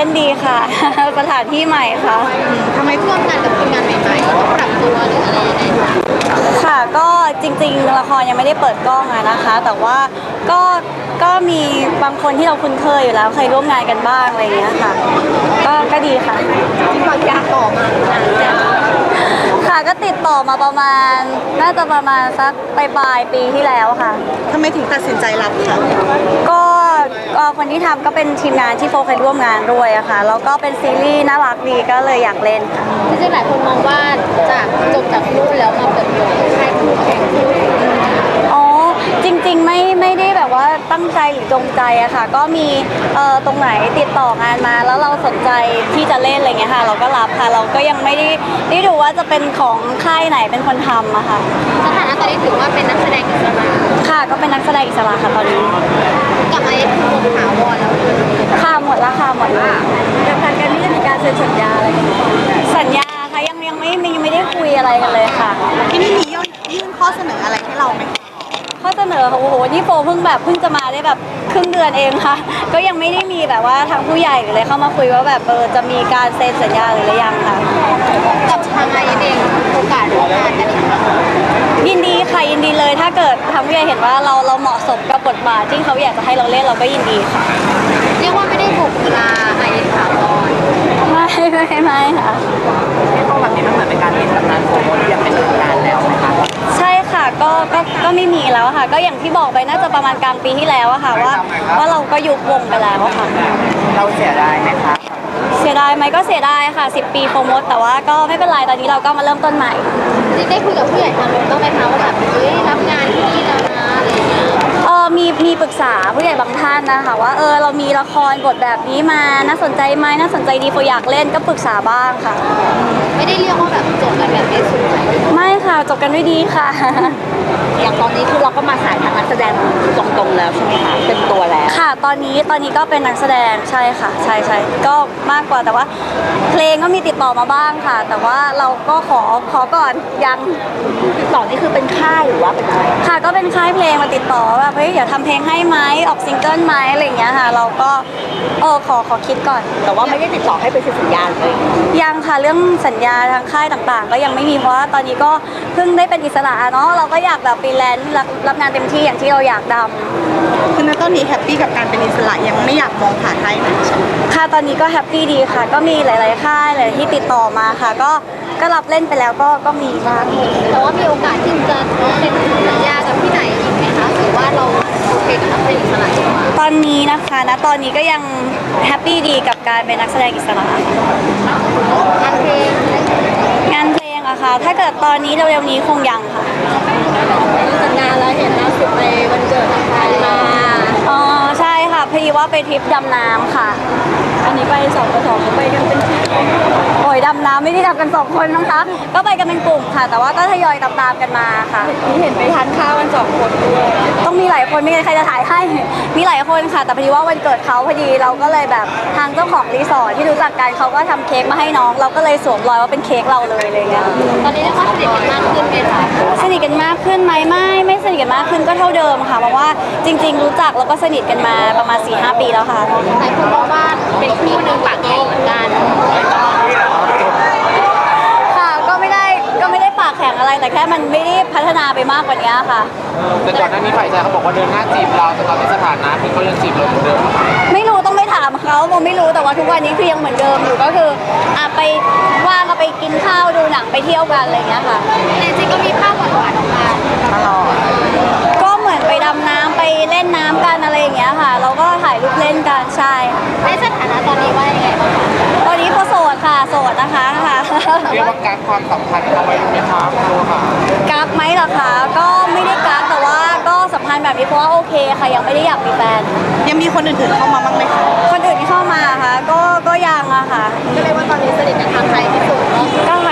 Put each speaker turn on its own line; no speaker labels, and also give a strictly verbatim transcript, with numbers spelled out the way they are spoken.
นดีค่ะ สถานที่ใหม่ค่ะ
ทำไมร่วมงานกับทีมงานใหม่ๆต้องปรับตัวหรืออะไรยังไง
ค่ะก็จริงๆละครยังไม่ได้เปิดกล้องอะนะคะ แต่ว่าก็ก็มีบางคนที่เราคุ้นเคยอยู่แล้วเคยร่วมงานกันบ้างอะไรอย่างเงี้ยค่ะก็ก็ดีค่ะ
ที่บางยาต่อมา
ค่ะก็ติดต่อมาประมาณน่าจะประมาณสักปลายปลายปีที่แล้วค่ะ
ทำไมถึงตัดสินใจรับค่ะ
ก็ก็คนที่ทำก็เป็นทีมงานที่โฟเคยร่วมงานด้วยอะค่ะแล้วก็เป็นซีรีส์น่ารักดีก็เลยอยากเล่นค่ะ
จริงๆหลายคนมองว่าจากจบจากนู่นแล้วมาเปิดตัวค่ายคู่แข่ง
อ๋อจริงๆไม่ไม่ได้แบบว่าตั้งใจหรือจงใจอะค่ะก็มีเอ่อตรงไหนติดต่องานมาแล้วเราสนใจที่จะเล่นอะไรเงี้ยค่ะเราก็รับค่ะเราก็ยังไม่ได้ได้ดูว่าจะเป็นของค่ายไหนเป็นคนทำอะค่ะ
สถานะตอนนี้ถือว่าเป็นนักแสดงอิสระ
ค่ะก็เป็นนักแสดงอิสระค่ะตอนนี้
กลับมาเอ็นคือวงถาวรแล้ว
ค่ะหมดแล้วค่ะหมดแล้วกับการการที่จะมีการเซ็นสัญญาอะไรกันสัญญาค่ะยังยังไม่ยังไม่ได้คุยอะไรกันเลยค่ะ
ที่นี่มียื่นยื่นข้อเสนออะไรให้เราไหม
ข้อเสนอโอ้โหนี่โฟเพิ่งแบบเพิ่งจะมาได้แบบครึ่งเดือนเองค่ะก็ยังไม่ได้มีแบบว่าทางผู้ใหญ่หรืออะไรเข้ามาคุยว่าแบบเออจะมีการเซ็นสัญญาหรือยังค่ะ
กับทางไอเองโอกาสร่วมงานกันอีกครั้ง
ยินดีค่ะยินดีเลยถ้าเกิดทางผู้ใหญ่เห็นว่าเราเราเหมาะสมกับบทบาทที่เขาอยากจะให้เราเล่นเราก็ยินดีค่ะ
เรียกว่าไม่ได้บุกเวลาไอเอ็นถาวร
ไม่ไม่ไม่ค่ะ
ที่พอแบบนี้มันเหมือนเป็นการเล่นตำนานโซโล่ที่ยังเป็นตำนานแล้วไหมคะ
ใช่ค่ะก็ก็ก็ไม่มีแล้วค่ะก็อย่างที่บอกไปน่าจะประมาณกลางปีที่แล้วอะค่ะว่าว่าเราก็ยุบวงไปแล้วค่ะ
เราเสียดายไหมคะ
เสียดายไหมก็เสียดายค่ะสิบปีโปรโมทแต่ว่าก็ไม่เป็นไรตอนนี้เราก็มาเริ่มต้นใหม่
จริงได้คุยกับผู้ใหญ่ทางนู้นบ้างไหมคะว่าแบบเฮ้ยรับงานที่นี่แล้วนะอะไรอย่างเงี้ย
เออมีมีปรึกษาผู้ใหญ่บางท่านนะคะว่าเออเรามีละครบทแบบนี้มาน่าสนใจไหมน่าสนใจดีโฟอยากเล่นก็ปรึกษาบ้างค่ะ
ไม่ได้เรียกว่าแบบจบกันแบบไม่สวย
ไม่ค่ะจบกันด้วยดีค่ะ
อย่างตอนนี้คือเราก็มาสายทางนักแสดงตรงๆแล้วใช่ไหมคะเป็นตัวแล้ว
ค่ะตอนนี้ตอนนี้ก็เป็นนักแสดงใช่ค่ะใช่ใช่ก็มากกว่าแต่ว่าเพลงก็มีติดต่อมาบ้างค่ะแต่ว่าเราก็ขอขอก่อนยัง
ติดต่อนี่คือเป็นค่ายหรือว่าเป็นอะไร
ค่ะก็เป็นค่ายเพลงมาติดต่อแบบเฮ้ยเดี๋ยวทำเพลงให้ไหมออกซิงเกิลไหมอะไรอย่างเงี้ยค่ะเราก็เออขอขอคิดก่อน
แต่ว่าไม่ได้ติดต่อให้เป็นสัญญาเลย
ยังค่ะเรื่องสัญญาทางค่ายต่างๆก็ยังไม่มีเพราะว่าตอนนี้ก็เพิ่งได้เป็นอิสระเนาะเราก็อยากแบบฟรีแลนซ์รับรับงานเต็มที่อย่างที่เราอยากทำ
คือณตอนนี้แฮปปี้กับการเป็นอิสระยังไม่อยากมองผ่านค่ายไหนใช่ไหม
ค่ะตอนนี้ก็แฮปปี้ดีค่ะก็มีหลายๆค่ายหลายที่ติดต่อมาค่ะก็ก็รับเล่นไปแล้วก็ก็มีบ้าง
แต่ว่ามีโอกาสที่จะเซ็นสัญญากับที่ไหนอีกไหมคะหรือว่าเราโอเคกับการเป็นอิสระดีกว่า
ตอนนี้นะคะณตอนนี้ก็ยังแฮปปี้ดีกับการเป็นนักแสดงอิสระ
งานเพลง
งานเพลงอะค่ะถ้าเกิดตอนนี้เร็วๆนี้คงยังค่ะ
จัดงานแล้วเห็นล่าสุดไปวันเกิดใครมา
อ๋อใช่ค่ะพอดีว่าไปทริปดำน้ำค่ะ
อันนี้ไปสองต่อสองเขาไปกันเป็นทีม
โอ้ยดำน้ำไม่ได้ทำกันสองคนนะคะก็ไปกันเป็นกลุ่มค่ะแต่ว่าก็ทยอยตามๆกันมาค่ะ
นี่เห็นไปทานข้าวกันสองคนด้วย
ต้องมีหลายคนไม่งั้นใครจะถ่ายให้มีหลายคนค่ะแต่พอดีว่าวันเกิดเขาพอดีเราก็เลยแบบทางเจ้าของรีสอร์ทที่รู้จักกันเขาก็ทำเค้กมาให้น้องเราก็เลยสวมรอยว่าเป็นเค้กเราเลยอะไรเงี้ย
ตอนนี้เรียกว่าสนิทกันมากขึ้นไหมคะ
สนิทกันมากขึ้นไหมไม่ไม่สนิทกันมากขึ้นก็เท่าเดิมค่ะเพราะว่าจริงๆรู้จักแล้วก็สนิทกันมาประมาณ สี่ห้า ปีแล้วค่ะ
หลายคนบอกว่าเป็นคู่หนึ่งปากแข็งเหมือนกัน
ค่ะก็ไม่ได้ก็ไม่ได้ปากแข็งอะไรแต่แค่มันไม่ได้พัฒนาไปมากกว่านี้ค่ะ
แต่ก่อนหน้านี้ฝ่ายชายเขาบอกว่าเดินหน้าจีบเราแต่ตอนนี้สถานะคือเขายังจีบเราเหมือนเดิม
ไม่รู้ต้องไปถามเขาโมไม่รู้แต่ว่าทุกวันนี้คือยังเหมือนเดิมอยู่ก็คืออ่ะไปว่างก็ไปกินข้าวดูหนังไปเที่ยวกันอะไรอย่างเงี้ยค่ะ
แต่จริงก็มีภาพหวานๆออกมาตลอด
ก็เหมือนไปดำน้ำไปเล่นน้ำกันอะไรอย่างเงี้ยค่ะเราก็ถ่ายรูปเล่นกันใช่
ในสถานะตอนนี้ว่ายังไงบ้างคะ
ตอนนี้เขาโสดค่ะโสดนะคะค่ะ
เรียกว่าการความสัมพันธ์เอาไว้ไหมคะครูค่ะ
กักไหมล่ะคะก็ไม่ได้กักแต่ว่าก็สัมพันธ์แบบนี้เพราะว่าโอเคค่ะยังไม่ได้อยากมีแฟน
ยังมีคนอื่นๆเข้ามาบ้างไหมคะ
คนอื่นที่เข้ามาค่ะก็ก็ยังอะค่ะ
ก็เลยว่าตอนนี้สนิทกับทางใครที่สุด
ก็ท